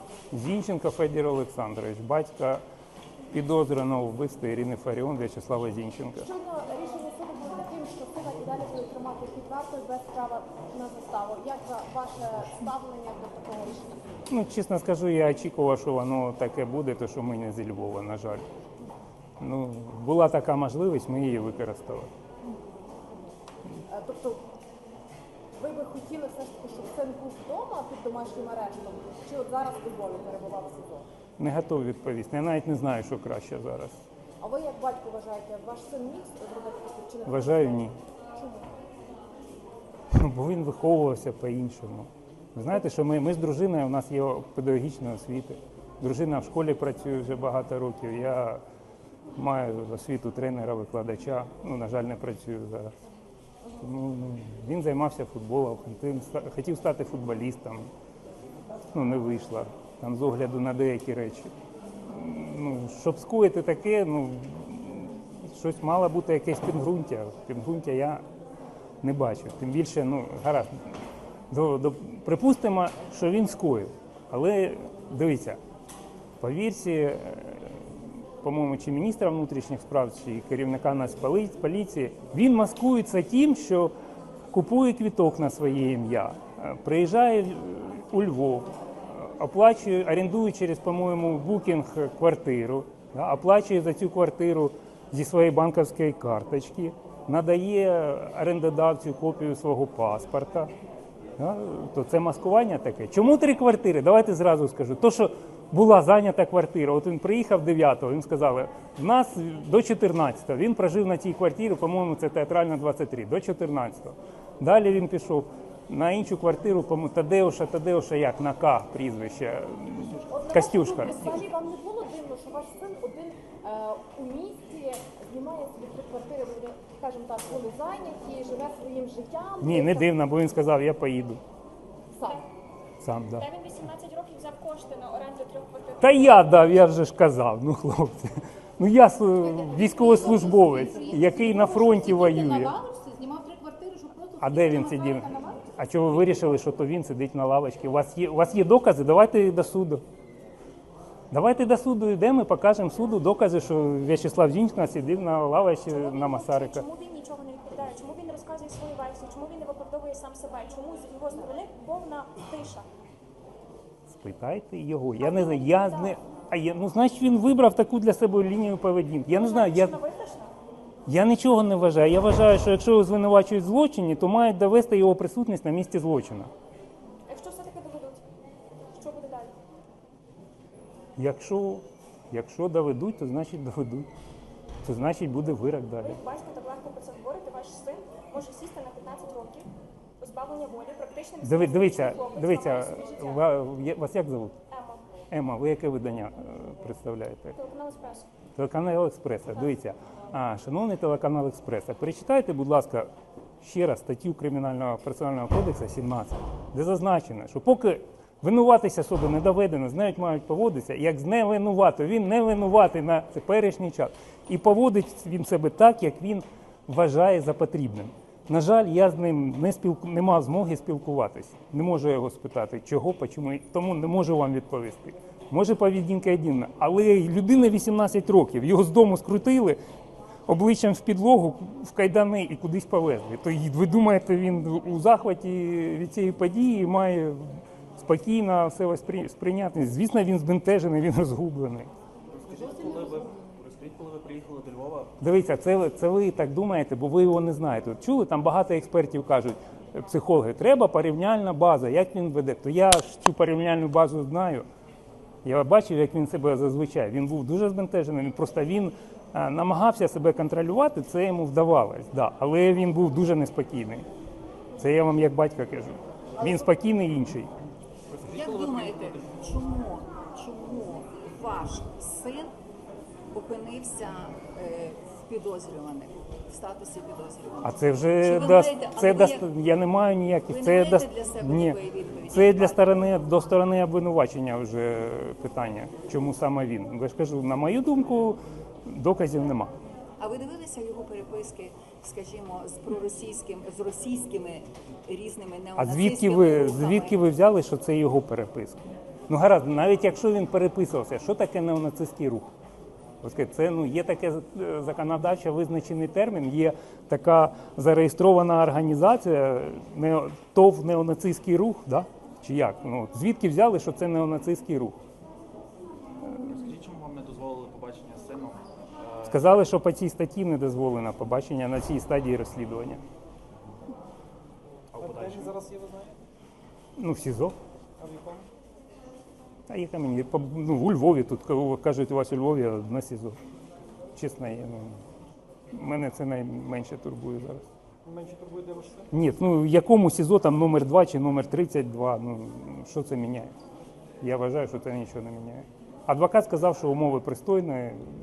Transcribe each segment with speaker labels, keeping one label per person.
Speaker 1: Зінченко Федір Олександрович, батька підозрюваного в вбивстві Ірини Фаріон В'ячеслава Зінченка.
Speaker 2: Щойно рішення суду було таким, що сина і далі буде тримати під вартою без права на заставу. Як ваше ставлення до такого рішення?
Speaker 1: Ну, чесно скажу, я очікував, що воно таке буде, то що ми не зі Львова, на жаль. Ну, була така можливість, ми її використали.
Speaker 2: Тобто ви би хотіли все ж таки, щоб син був вдома під домашнім арештом, чи от зараз у Львові перебував в СІЗО?
Speaker 1: Не готовий відповісти. Я навіть не знаю, що краще зараз.
Speaker 2: А ви як батько вважаєте, ваш син міг зробити таке чи не?
Speaker 1: Вважаю, ні.
Speaker 2: Чому?
Speaker 1: Бо він виховувався по-іншому. Ви знаєте, що ми з дружиною, у нас є педагогічна освіта. Дружина в школі працює вже багато років. Я маю освіту тренера, викладача. Ну, на жаль, не працюю зараз. Ну, він займався футболом, хотів стати футболістом. Ну, не вийшло. Там з огляду на деякі речі. Ну, щоб скоїти таке, ну, щось мало бути якесь підґрунтя. Підґрунтя я не бачу. Тим більше, ну, гаразд, припустимо, що він скоїв. Але, дивіться, по вірсі, по-моєму, чи міністра внутрішніх справ, чи керівника Нацполіції, він маскується тим, що купує квиток на своє ім'я, приїжджає у Львов, оплачує, орендує через, по-моєму, букінг квартиру, оплачує за цю квартиру зі своєї банківської карточки, надає орендодавцю копію свого паспорта. То це маскування таке. Чому 3 квартири? Давайте зразу скажу. То, що була зайнята квартира, от він приїхав 9-го, їм сказали, в нас до 14-го. Він прожив на цій квартирі, по-моєму, це Театральна 23, до 14-го. Далі він пішов на іншу квартиру, по-моєму, Тадеуша як, на К прізвище, Костюшка.
Speaker 2: Взагалі вам не було дивно, що ваш син один у місті знімає собі 3 квартири, вони, скажімо так, вони зайняті, живе своїм життям?
Speaker 1: Ні, не дивно, бо він сказав, я поїду.
Speaker 2: Сам?
Speaker 1: Сам, так.
Speaker 3: Та він 18 років взяв кошти на оренду 3 квартир.
Speaker 1: Та я дав, я вже ж казав, ну хлопці. Ну я військовослужбовець, який на фронті воює.
Speaker 4: Знімав 3 квартири, щоб просто...
Speaker 1: А де він сидів? А чого ви вирішили, що то він сидить на лавочці? У вас є докази? Давайте до суду. Давайте до суду йдемо і покажемо суду докази, що В'ячеслав Зінченко сидів на лавочці на Масарика.
Speaker 3: Чому він нічого не відповідає? Чому він не розказує свою версію? Чому він не виправдовує сам себе? Чому з його сторони повна тиша?
Speaker 1: Спитайте його. Я не знаю, ну, значить, він вибрав таку для себе лінію поведінки. Я не знаю, я нічого не вважаю. Я вважаю, що якщо його звинувачують в злочині, то мають довести його присутність на місці злочину.
Speaker 3: Якщо все-таки доведуть, що буде далі?
Speaker 1: Якщо доведуть, то значить доведуть. То значить буде вирок далі.
Speaker 3: Ви, батько, так легко про це говорите, ваш син може сісти на 15 років, позбавлення волі, практично...
Speaker 1: Дивіться, вас як звуть?
Speaker 3: Ема.
Speaker 1: Ема, ви яке видання представляєте?
Speaker 3: Телеканал «Еспресо».
Speaker 1: Телеканал «Експреса». Дивіться, шановний телеканал «Експреса», перечитайте, будь ласка, ще раз статтю Кримінального процесуального кодексу 17, де зазначено, що поки винуватись особи не доведено, з нею мають поводитися, як з невинуватою. Він не винуватий на теперішній час. І поводить він себе так, як він вважає за потрібним. На жаль, я з ним не мав змоги спілкуватися. Не можу його спитати, чого, чому, тому не можу вам відповісти. Може, поведінка єдина, але людина 18 років, його з дому скрутили, обличчям в підлогу, в кайдани і кудись повезли. То ви думаєте, він у захваті від цієї події має спокійно все сприйняти? Звісно, він збентежений, він розгублений.
Speaker 5: Розкажіть, коли ви приїхали до Львова?
Speaker 1: Дивіться, це ви так думаєте, бо ви його не знаєте. От чули, там багато експертів кажуть, психологи, треба порівняльна база, як він веде. То я ж цю порівняльну базу знаю. Я бачив, як він себе зазвичай. Він був дуже збентежений, він намагався себе контролювати, це йому вдавалось. Да. Але він був дуже неспокійний. Це я вам як батько кажу. Він спокійний інший.
Speaker 4: Як думаєте, чому ваш син опинився в підозрюваних, в статусі підозрюваних?
Speaker 1: А це вже я не маю ніяких.
Speaker 4: Ви не маєте для себе
Speaker 1: ні,
Speaker 4: такої відповіді?
Speaker 1: це до сторони обвинувачення вже питання. Чому саме він? Я ж кажу, на мою думку, доказів нема.
Speaker 4: А ви дивилися його переписки, скажімо, з російськими різними
Speaker 1: А
Speaker 4: неонацистськими рухами?
Speaker 1: звідки ви взяли, що це його переписка? Ну гаразд, навіть якщо він переписувався, що таке неонацистський рух? Ось це є таке законодавчо визначений термін, є така зареєстрована організація, ТОВ неонацистський рух, да? Чи як? Ну, звідки взяли, що це неонацистський рух?
Speaker 5: Скажіть, чому вам не дозволили побачення з сином?
Speaker 1: Сказали, що по цій статті не дозволено побачення на цій стадії розслідування.
Speaker 5: А в подальшому?
Speaker 6: Зараз є, ви знаєте?
Speaker 1: Ну, в СІЗО.
Speaker 6: А в якому?
Speaker 1: А яка мені? Ну, у Львові, тут кажуть, у вас у Львові на СІЗО. Чесно, мене це найменше турбує зараз.
Speaker 6: Менше турбує, де ваш син?
Speaker 1: Ні, ну якому СІЗО там номер 2 чи номер 32, ну що це міняє? Я вважаю, що це нічого не міняє. Адвокат сказав, що умови пристойні.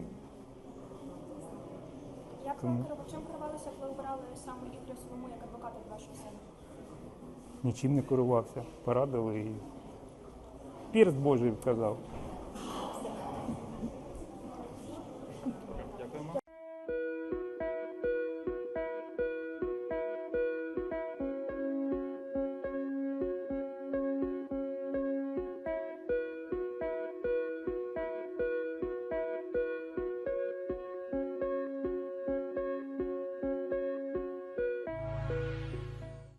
Speaker 3: Чим керувалися, коли обирали саме Ігоря Солому як адвоката для вашого сина?
Speaker 1: Нічим не керувався. Порадили і перст Божий вказав.